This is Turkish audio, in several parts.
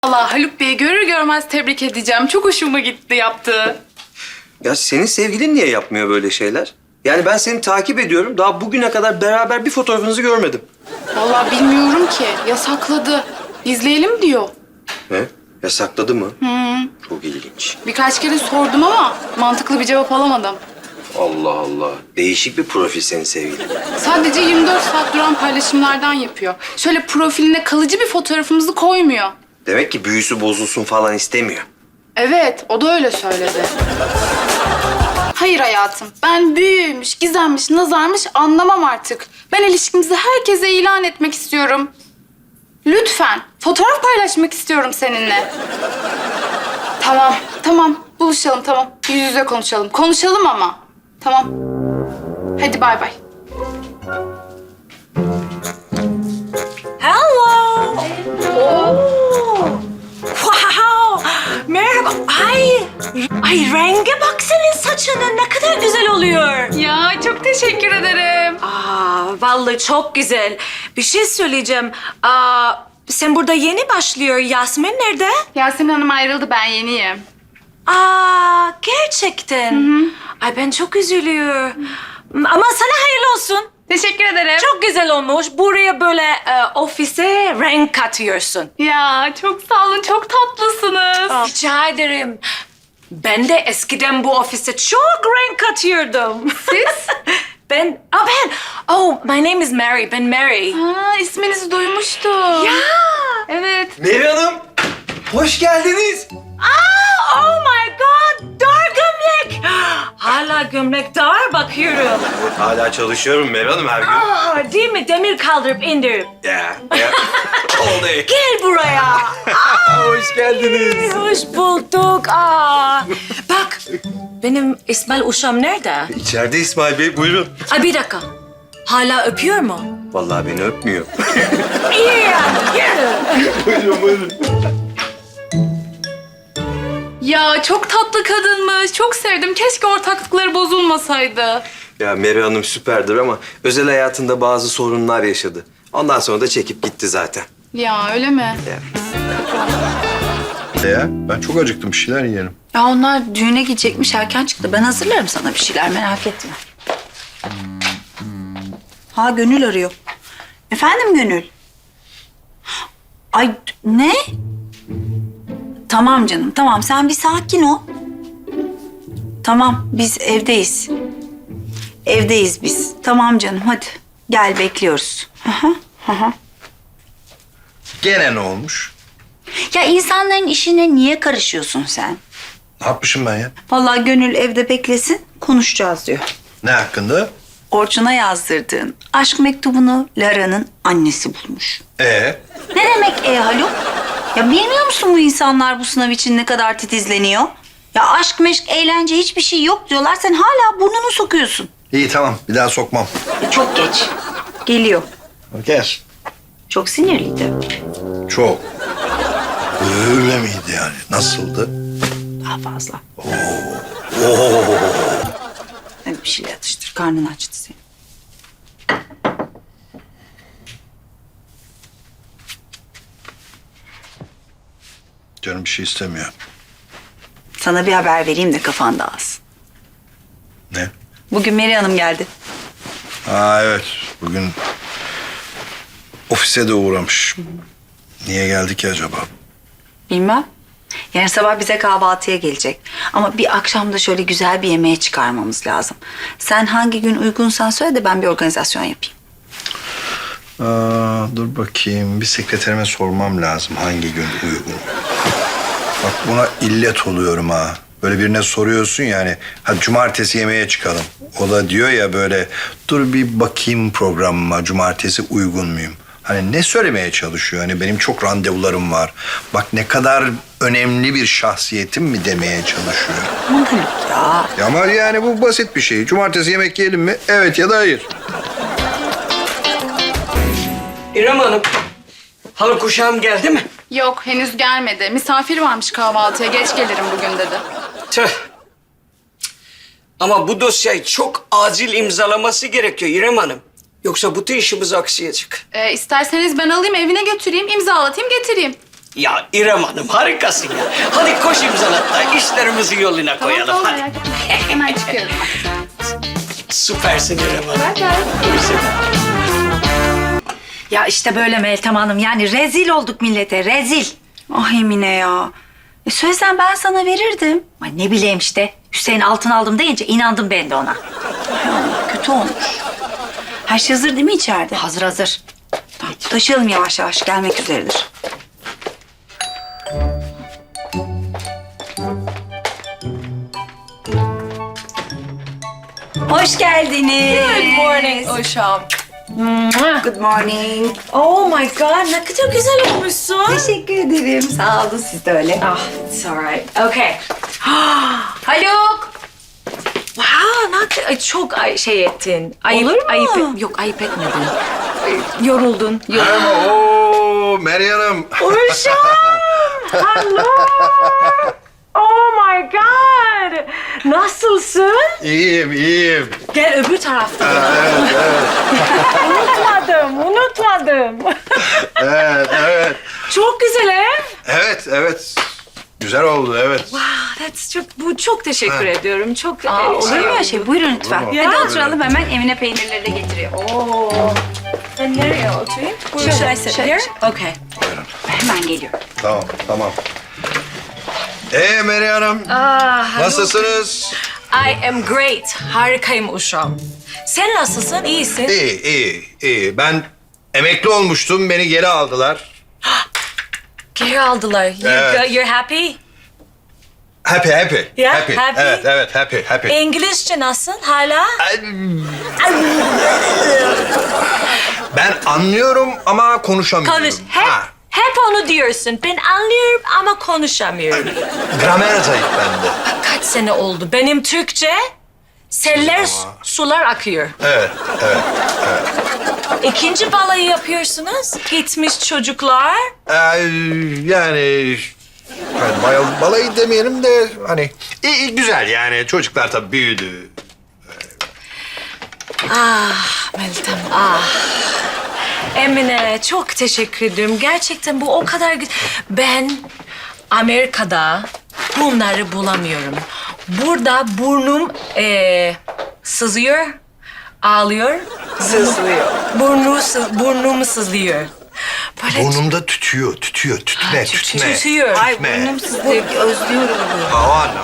Allah Haluk Bey'i görür görmez tebrik edeceğim. Çok hoşuma gitti yaptığı. Ya senin sevgilin niye yapmıyor böyle şeyler? Yani ben seni takip ediyorum. Daha bugüne kadar beraber bir fotoğrafınızı görmedim. Vallahi bilmiyorum ki. Yasakladı. İzleyelim diyor. Ne? Yasakladı mı? Çok ilginç. Birkaç kere sordum ama mantıklı bir cevap alamadım. Allah Allah. Değişik bir profil senin sevgilin. Sadece 24 saat duran paylaşımlardan yapıyor. Şöyle profiline kalıcı bir fotoğrafımızı koymuyor. Demek ki büyüsü bozulsun falan istemiyor. Evet, o da öyle söyledi. Hayır hayatım, ben büyüymüş, gizemmiş, nazarmış anlamam artık. Ben ilişkimizi herkese ilan etmek istiyorum. Lütfen, fotoğraf paylaşmak istiyorum seninle. Tamam, buluşalım tamam. Yüz yüze konuşalım. Konuşalım ama. Tamam. Hadi bay bay. Hello. Wow. Merhaba. Ay renge bak senin saçının ne kadar güzel oluyor. Ya çok teşekkür ederim. Vallahi çok güzel. Bir şey söyleyeceğim. Sen burada yeni başlıyor. Yasmin nerede? Yasemin Hanım ayrıldı, ben yeniyim. Gerçekten. Ay ben çok üzülüyorum. Ama sana hayırlı olsun. Teşekkür ederim. Çok güzel olmuş. Buraya böyle ofise renk katıyorsun. Ya çok sağ olun, çok tatlısınız. Rica ederim. Ben de eskiden bu ofise çok renk katıyordum. Siz? My name is Mary. Ben Mary. Ha, isminizi duymuştum. Ya. Evet. Meri Hanım, hoş geldiniz. Oh my God. Dar gömlek. Hala gömlek dar bakıyorum. Hala çalışıyorum Meri Hanım her gün. Değil mi? Demir kaldırıp indirip. Ya. Oldu. Gel buraya. Hoş geldiniz. Hoş bulduk. Bak, benim İsmail Uşam nerede? İçeride İsmail Bey, buyurun. Ay bir dakika. Hala öpüyor mu? Vallahi beni öpmüyor. İyi yani. Yürü. Buyurun. Ya çok tatlı kadınmış. Çok sevdim. Keşke ortaklıkları bozulmasaydı. Ya Meri Hanım süperdir ama özel hayatında bazı sorunlar yaşadı. Ondan sonra da çekip gitti zaten. Ya öyle mi? Ya ben çok acıktım, bir şeyler yiyelim. Ya onlar düğüne gidecekmiş, erken çıktı. Ben hazırlarım sana bir şeyler, merak etme. Ha, Gönül arıyor. Efendim Gönül? Ay ne? Tamam canım, tamam. Sen bir sakin ol. Tamam, biz evdeyiz. Evdeyiz biz. Tamam canım, hadi. Gel, bekliyoruz. Gene ne olmuş? Ya insanların işine niye karışıyorsun sen? Ne yapmışım ben ya? Vallahi Gönül evde beklesin, konuşacağız diyor. Ne hakkında? Orçun'a yazdırdığın aşk mektubunu Lara'nın annesi bulmuş. Ne demek Haluk? Ya bilmiyor musun bu insanlar bu sınav için ne kadar titizleniyor? Ya aşk meşk, eğlence hiçbir şey yok diyorlar. Sen hala burnunu sokuyorsun. İyi tamam, bir daha sokmam. Çok geç. Geliyor. Gel. Çok sinirliydi. Çok. Öyle miydi yani? Nasıldı? Daha fazla. Hadi bir şeyler atıştır. Karnın açtı senin. Canım bir şey istemiyor. Sana bir haber vereyim de kafan dağılsın. Ne? Bugün Meri Hanım geldi. Evet, bugün ofise de uğramış. Niye geldi ki acaba? Bilmem. Yarın sabah bize kahvaltıya gelecek. Ama bir akşam da şöyle güzel bir yemeğe çıkarmamız lazım. Sen hangi gün uygunsan söyle de ben bir organizasyon yapayım. Dur bakayım, bir sekreterime sormam lazım hangi gün uygun. Bak buna illet oluyorum ha. Böyle birine soruyorsun yani, hadi cumartesi yemeğe çıkalım. O da diyor ya böyle, dur bir bakayım programıma, cumartesi uygun muyum? Hani ne söylemeye çalışıyor? Hani benim çok randevularım var. Bak ne kadar önemli bir şahsiyetim mi demeye çalışıyor. Aman Haluk ya. Ya ama yani bu basit bir şey. Cumartesi yemek yiyelim mi? Evet ya da hayır. İrem Hanım, Haluk uşağım geldi mi? Yok, henüz gelmedi. Misafir varmış kahvaltıya. Geç gelirim bugün dedi. Tüh. Ama bu dosyayı çok acil imzalaması gerekiyor İrem Hanım. Yoksa bütün işimiz aksayacak. İsterseniz ben alayım, evine götüreyim, imzalatayım, getireyim. Ya İrem Hanım harikasın ya. Hadi koş imzalatla işlerimizi yoluna koyalım. Tamam, Hadi. merak etme. Hemen çıkıyorum. Süpersin İrem Hanım. Bye bye. Ya işte böyle Meltem Hanım. Yani rezil olduk millete, rezil. Ah Emine ya. Sözden ben sana verirdim. Ay ne bileyim işte. Hüseyin altın aldım deyince inandım ben de ona. Ay Allah, kötü olmuş. Her şey hazır değil mi içeride? Hazır hazır. Tamam, taşıyalım yavaş yavaş. Gelmek üzeredir. Hoş geldiniz. Good morning Uşam. Good morning. Oh my god, ne kadar güzel olmuşsun. Teşekkür ederim. Sağ olun, siz de öyle. Ah, it's alright. Okay. Haluk. Wow, çok şey ettin. Olur mu? Yok, ayıp etmedin. Yoruldun. Oo Meryem Hanım. Uşam! Hello! Oh my god! Nasılsın? İyiyim. Gel öbür tarafta. Evet. Unutmadım. Evet. Çok güzel ev. Evet. Güzel oldu, evet. Çok teşekkür ediyorum. Çok Olur mu öyle şey? Buyurun lütfen. Ya. Hadi oturalım, hemen Emine peynirleri de getiriyor. Oo. Ben nereye oturayım? Şöyle, Should I sit şöyle. here? Okay. Hemen geliyor. Tamam. Meryem Hanım. Nasılsınız? I am great. Harikayım Uşam. Sen nasılsın? İyisin. İyi. Ben emekli olmuştum, beni geri aldılar. Geri aldılar. Evet. You're happy? Happy. Yeah, happy. happy. Evet, happy. İngilizce nasıl hala? Ben anlıyorum ama konuşamıyorum. Konuş. Ha, Hep onu diyorsun. Ben anlıyorum ama konuşamıyorum. gramer zayıf bende. Kaç sene oldu? Benim Türkçe seller, sular akıyor. Evet. İkinci balayı yapıyorsunuz. Gitmiş çocuklar. Yani balayı demeyelim de hani iyi, güzel yani çocuklar tabii büyüdü. Meltem, Emine çok teşekkür ederim. Gerçekten bu o kadar Ben Amerika'da bunları bulamıyorum. Burada burnum sızıyor, ağlıyor. Sızlıyor. Burnum sızlıyor. Böyle Burnumda tütüyor, tütme. tütüyor. Ay burnum sızlıyor, özlüyorum. O anlam.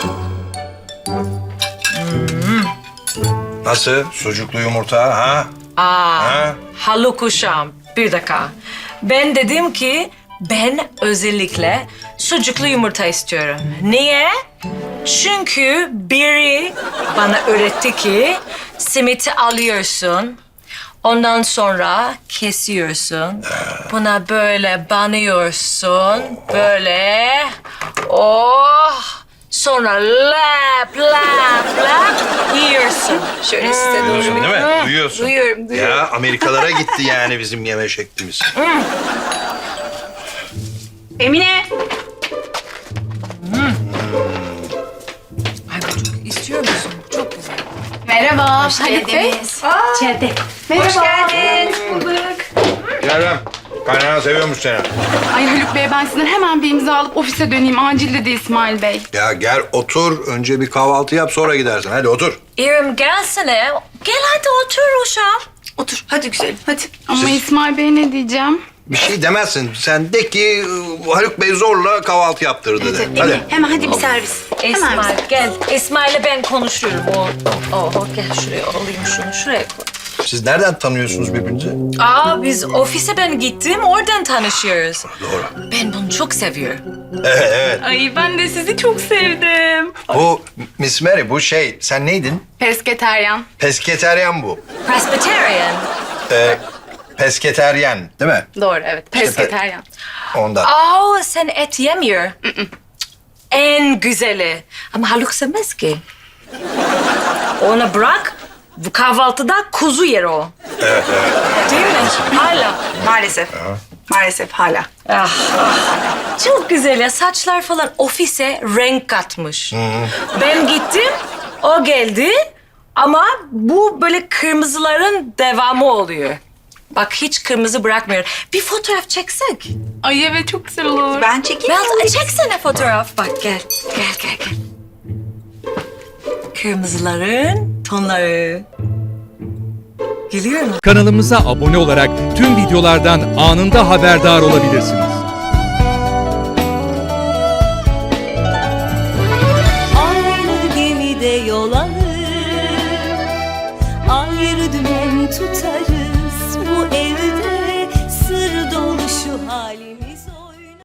Nasıl? Sucuklu yumurta ha? Ha? Haluk Uşam, bir dakika. Ben dedim ki ben özellikle sucuklu yumurta istiyorum. Niye? Çünkü biri bana öğretti ki simiti alıyorsun. Ondan sonra kesiyorsun. Buna böyle banıyorsun. Böyle. Oh! Sonra lap yiyorsun. Şöyle size doğru. Duyuyorsun değil mi? Duyuyorsun. Duyuyorum. Ya Amerikalara gitti yani bizim yeme şeklimiz. Emine. Ay bu çok istiyor musun? Çok güzel. Merhaba. Haluk Bey. İçeride. Merhaba. Hoş geldin. Kerem, kaynana seviyormuş seni. Ay Haluk Bey, ben sizden hemen bir imza alıp ofise döneyim. Acil dedi İsmail Bey. Ya gel otur, önce bir kahvaltı yap sonra gidersin. Hadi otur. İrem gelsene. Gel hadi otur Uşam. Otur, hadi güzelim, hadi. Ama İsmail Bey ne diyeceğim? Bir şey demezsin. Sen de ki Haluk Bey zorla kahvaltı yaptırdı de. Hadi. Hemen hadi bir servis. Hemen bir İsmail servis. gel. İsmail'le ben konuşuyorum. Gel şuraya alayım şunu. Şuraya koy. Siz nereden tanıyorsunuz birbirinizi? Biz ofise ben gittim. Oradan tanışıyoruz. Doğru. Ben bunu çok seviyorum. Evet. Ay ben de sizi çok sevdim. Bu Miss Mary, bu şey, sen neydin? Pesketeryan. Pesketeryan bu. Presbyterian. Pesketeryen değil mi? Doğru, evet. Pesketeryan. Ondan. Sen et yemiyor. En güzeli. Ama Haluk sevmez ki. Onu bırak. Bu kahvaltıda kuzu yer o. Evet. Değil mi? Hala. Maalesef hala. Çok güzel ya. Saçlar falan ofise renk katmış. Ben gittim, o geldi. Ama bu böyle kırmızıların devamı oluyor. Bak hiç kırmızı bırakmıyor. Bir fotoğraf çeksek. Ay evet çok güzel olur. Ben çekeyim. Biraz çeksene fotoğraf. Bak gel. Gel. Kırmızıların tonları. Geliyor mu? Kanalımıza abone olarak tüm videolardan anında haberdar olabilirsiniz. Aynı gemide yol alır, ayrı dümen tutarız. Bu evde sır dolu şu halimiz.